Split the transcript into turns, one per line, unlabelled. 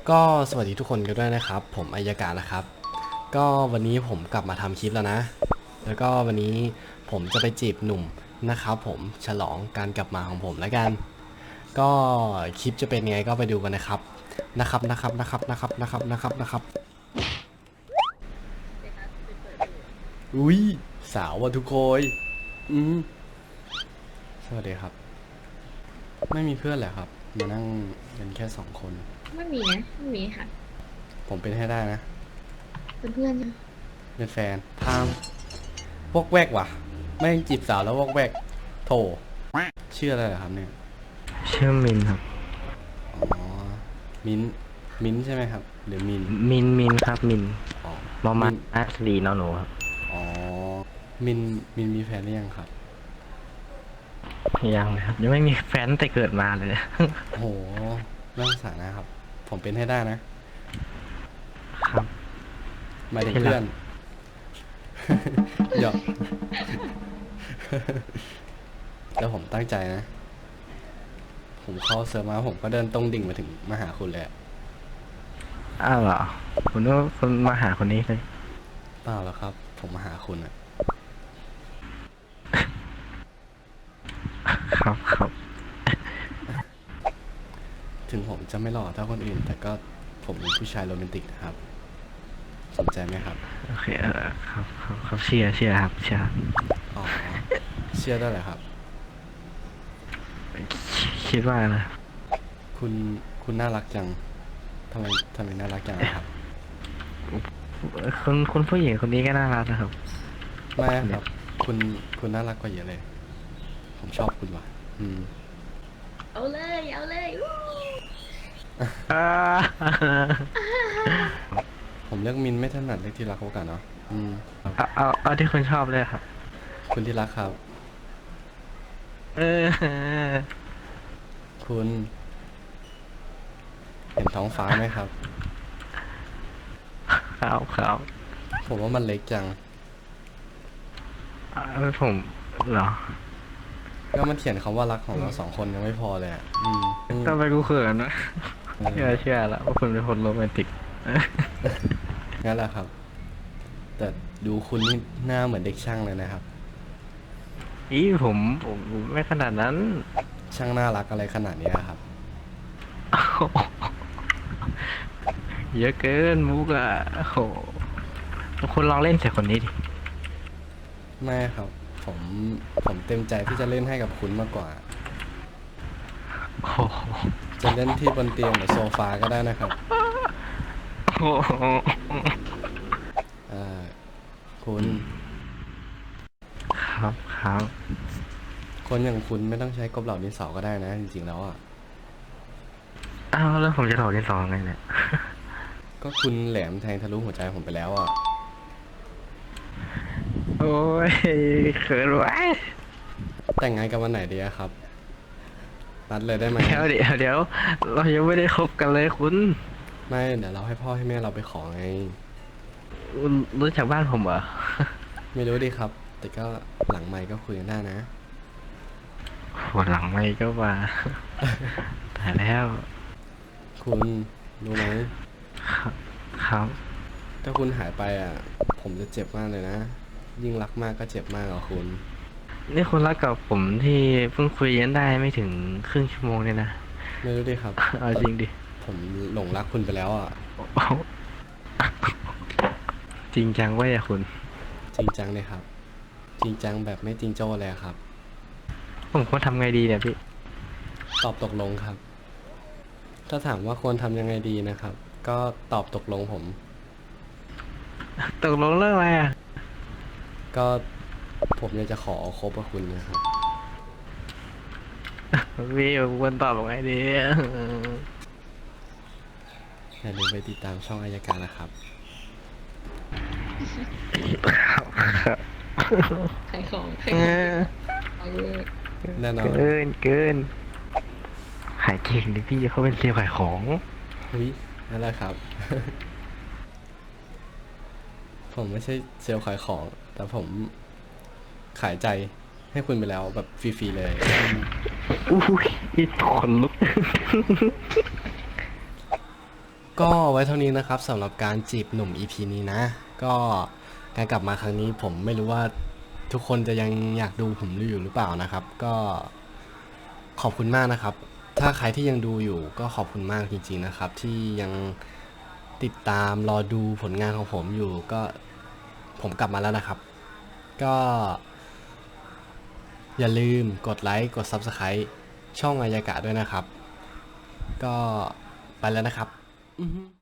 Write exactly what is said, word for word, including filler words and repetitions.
ก็สวัสดีทุกคนกันด้วยนะครับผมอัยการนะครับก็วันนี้ผมกลับมาทำคลิปแล้วนะแล้วก็วันนี้ผมจะไปจีบหนุ่มนะครับผมฉลองการกลับมาของผมแล้วกันก็คลิปจะเป็นไงก็ไปดูกันนะครับนะครับนะครับนะครับนะครับนะครับนะครับนะครับอุ้ยสาวว่ะทุกคนอืมสวัสดีครับไม่มีเพื่อนเหรอครับมานั่งเป็นแค่สองคน
ไม่มีนะไม่มีค่ะ
ผมเป็นให้ได้นะ
เป็นเพื่อนใช่ไหม
เป็นแฟนพามวอกแวกว่ะไม่งจีบสาวแล้ววอกแวกโถชื่ออะไรเหรอครับเนี่ย
ชื่อมินครับ
อ๋อมิ้นมิ้นใช่ไหมครับหรือมิน
มินมินครับมิน
อ๋อ
มอมา
มิน
อาสลีนอหนูครับ
อ๋อมินมินมีแฟนหรือยังครับ
ยังเลยครับยังไม่มีแฟนตั้งแต่เกิดมาเลย
โอ้โหเรื่องสานะครับผมเป็นให้ได้นะครับหมายถึงเพื่อนหยอกแล้วผมตั้งใจนะผมเข้าเซิร์ฟมาผมก็เดินตรงดิ่งมาถึงมาหาคุณเลย
อ้าวเหรอคุณว่าคุณมาหาคนนี้เลย
เปล่าแล้วครับผมมาหาคุณอะ
ครับครับ
ถึงผมจะไม่หล่อเท่าคนอื่นแต่ก็ผมเป็นผู้ชายโรแมนติกนะครับสนใจไหมครับ
โอเคเออครับครับครับเชียร์เชียร์ครับเชียร์ครับ
อ๋อเชื่อได้เหรอครับ
คิดว่านะ
คุณคุณน่ารักจังทำไมทำไมน่ารักจังอะครับ
คุณคุณผู้หญิงคนนี้ก็น่ารักนะครับ
ไม่ครับคุณคุณน่ารักกว่าเยอะเลยผมชอบคุณว่ะอืม
เอาเลยเอาเลยอู้
อ่า
ผมเลือกมินไม่ถนัดเลือกที่รักโอกาสเนาะอืม
เอาเอาเอาที่คุณชอบเลยครับ
คุณที่รักครับ
เออ
คุณเห็นท้องฟ้าไหมครับ
ครับครับ
ผมว่ามันเล็กจัง
เอาผมเหรอ
ก็มันเขียนคำว่ารักของเราสองคนยังไม่พอเลยอ่ะอืมอืม
ทำไมกูเขินนะ
เอ
เชื่อ
อ
เชื่อแล้วว่าคุณเป็นคนโรแมนติก
งั้นแหละครับแต่ดูคุณนี่หน้าเหมือนเด็กช่างเลยนะครับ
อีผมผมไม่ขนาดนั้น
ช่างน่ารักอะไรขนาดนี้ครับ
เยอะเกินมุกอ่ะโอ้โหคุณลองเล่นใส่คนนี้ดิ
ไม่ครับ ผมผมเต็มใจที่จะเล่นให้กับคุณมากกว่า
โอ้โห
จะเล่นที่บนเตียงหรือโซฟาก็ได้นะครับ
โอ้โห
เอ่อคุณ
ครับครับ
คนอย่างคุณไม่ต้องใช้กบเหล่าดินสอก็ได้นะจริงๆแล้วอ่ะ
อ้าวแล้วผมจะถอดที่สองไงเนี่ย
ก็คุณแหลมแทงทะลุหัวใจผมไปแล้วอ่ะ
โอ้ยเขินไว้ย
แต่งงานกันวันไหนดีอะครับนัดเลยได้ไหม
เดี๋ยวเดี๋ยวเดี๋ยวเรายังไม่ได้คบกันเลยคุณ
ไม่เดี๋ยวเราให้พ่อให้แม่เราไปขอไง
คุณรู้จักบ้านผมเหรอ
ไม่รู้ดิครับ แต่ก็หลังไมค์ก็คุยกันได้นะ
หัวหลังไม่ก็มาแต่แล้ว
คุณรู้ไหม
ครับครับ
ถ้าคุณหายไปอ่ะ ผมจะเจ็บมากเลยนะ ยิ่งรักมากก็เจ็บมากอ่ะคุณ
นี่คุณรักกับผมที่เพิ่งคุยกันได้ไม่ถึงครึ่งชั่วโมงเนี่ยนะ
ไม่รู้ดิครับ
เอาจริงดิ
ผมหลงรักคุณไปแล้วอ่ะ
จริงจังเว้ยอะคุณ
จริงจังเลยครับ จริงจังแบบไม่จริงโจ้เลยอะครับ
ผมควรทำไงดีเนี่ยพี่
ตอบตกลงครับ ถ้าถามว่าควรทำยังไงดีนะครับ ก็ตอบตกลงผม
ตกลงเรื่องอะไรอ่ะ
ก็ผมอยากจะขอคบกับคุณนะครับ
พี่ผมควรตอบยังไงดี
อย่าลืมไปติดตามช่องอายการนะครับ
ขายของขาย
เอ
ของ
อ
เอาเลย
แน่นอน
เกินเกินขายเก่งดิพี่เขาเป็นเซลล์ขายของ
อุ้ยนั่นแหละครับ ผมไม่ใช่เซลล์ขายของ แต่ผมขายใจให้คุณไปแล้วแบบฟรีๆเลย
อุ้ยอีขนลุก
ก็ไว้เท่านี้นะครับสำหรับการจีบหนุ่ม อี พี นี้นะ ก็การกลับมาครั้งนี้ผมไม่รู้ว่าทุกคนจะยังอยากดูผมอยู่หรือเปล่านะครับ ก็ขอบคุณมากนะครับ ถ้าใครที่ยังดูอยู่ก็ขอบคุณมากจริงๆนะครับ ที่ยังติดตามรอดูผลงานของผมอยู่ก็ผมกลับมาแล้วนะครับ ก็อย่าลืมกดไลค์กด ซับสไครบ์ ช่องอายากะด้วยนะครับ ก็ไปแล้วนะครับ